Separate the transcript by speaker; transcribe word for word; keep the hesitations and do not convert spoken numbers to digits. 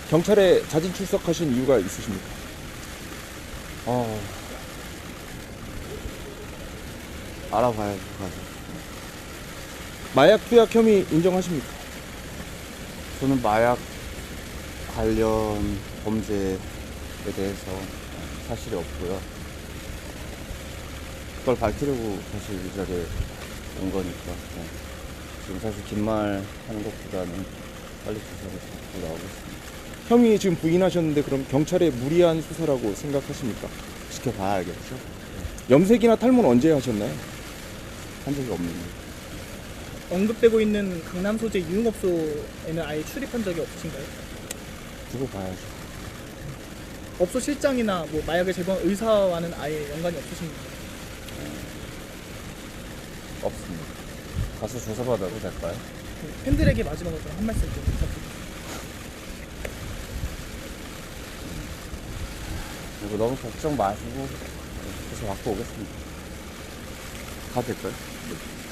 Speaker 1: 경찰에 자진 출석하신 이유가 있으십니까?
Speaker 2: 어, 알아봐야죠, 가서.
Speaker 1: 마약 투약 혐의 인정하십니까?
Speaker 2: 저는 마약 관련 범죄에 대해서 사실이 없고요. 그걸 밝히려고 사실 이 자리에 온 거니까. 네. 지금 사실 긴 말 하는 것보다는 빨리 조사를 받고 나오겠습니다.
Speaker 1: 혐의 지금 부인하셨는데 그럼 경찰의 무리한 수사라고 생각하십니까?
Speaker 2: 지켜봐야겠죠?
Speaker 1: 염색이나 탈모는 언제 하셨나요?
Speaker 2: 한 적이 없는데.
Speaker 3: 언급되고 있는 강남 소재 유흥업소에는 아예 출입한 적이 없으신가요?
Speaker 2: 두고 봐야죠.
Speaker 3: 업소 실장이나 뭐 마약을 제공한 의사와는 아예 연관이 없으신가요?
Speaker 2: 없습니다. 가서 조사받아도 될까요?
Speaker 3: 팬들에게 마지막으로 한 말씀 좀 부탁드립니다.
Speaker 2: 그리고 너무 걱정 마시고 조사 받고 오겠습니다. 가도 될까요?